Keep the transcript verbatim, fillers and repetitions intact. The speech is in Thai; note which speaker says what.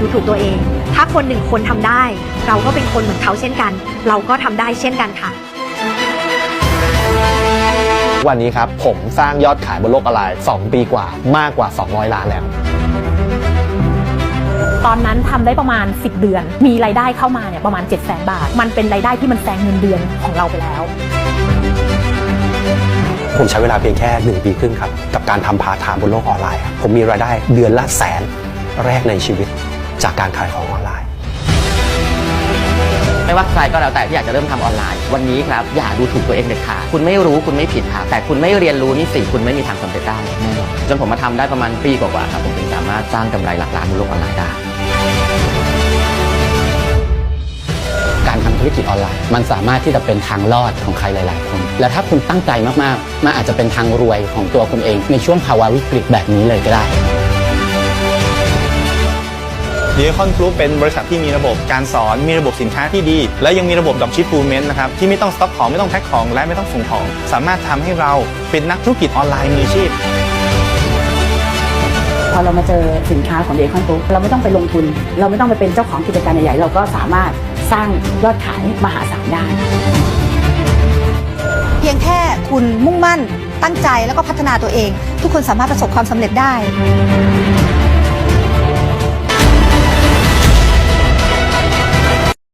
Speaker 1: ดูถูกตัวเอง ถ้าคนหนึ่งคนทำได้เราก็เป็นคนเหมือนเขาเช่นกันเราก็ทำได้เช่นกันค่ะ
Speaker 2: วันนี้ครับผมสร้างยอดขายบนโลกออนไลน์สองปีกว่ามากกว่าสองร้อยล้านแล้ว
Speaker 3: ตอนนั้นทำได้ประมาณสิบเดือนมีรายได้เข้ามาเนี่ยประมาณ เจ็ดแสน บาทมันเป็นรายได้ที่มันแซงเงินเดือนของเราไปแล้ว
Speaker 4: ผมใช้เวลาเพียงแค่หนึ่งปีครึ่งครับกับการทำพาร์ทไทม์บนโลกออนไลน์ผมมีรายได้เดือนละแสนแรกในชีวิตจากการขายของออนไลน์
Speaker 5: ไม่ว่าใครก็แล้วแต่ที่อยากจะเริ่มทำออนไลน์วันนี้ครับอย่าดูถูกตัวเองเด็ดขาดคุณไม่รู้คุณไม่ผิดครับแต่คุณไม่เรียนรู้นี่สิคุณไม่มีทางสำเร็จได้แน่นอนจนผมมาทำได้ประมาณปีกว่าๆครับผมถึงสามารถสร้างกำไรหลักล้านบนโลกออนไลน์ได้
Speaker 6: การทำธุรกิจออนไลน์มันสามารถที่จะเป็นทางรอดของใครหลายๆคนและถ้าคุณตั้งใจมากๆมันอาจจะเป็นทางรวยของตัวคุณเองในช่วงภาวะวิกฤตแบบนี้เลยก็ได้
Speaker 7: ดีคอนกรุ๊ปเป็นบริษัทที่มีระบบการสอนมีระบบสินค้าที่ดีและยังมีระบบดรอปชิปฟูลเมนต์นะครับที่ไม่ต้องสต็อกของไม่ต้องแพ็คของและไม่ต้องส่งของสามารถทำให้เราเป็นนักธุรกิจออนไลน์มืออาชีพ
Speaker 3: พอเรามาเจอสินค้าของเดคอนกรุ๊ปเราไม่ต้องไปลงทุนเราไม่ต้องไปเป็นเจ้าของกิจการใหญ่ๆเราก็สามารถสร้างยอดขายมหาศาลได้
Speaker 1: เพียงแค่คุณมุ่งมั่นตั้งใจแล้วก็พัฒนาตัวเองทุกคนสามารถประสบความสำเร็จได้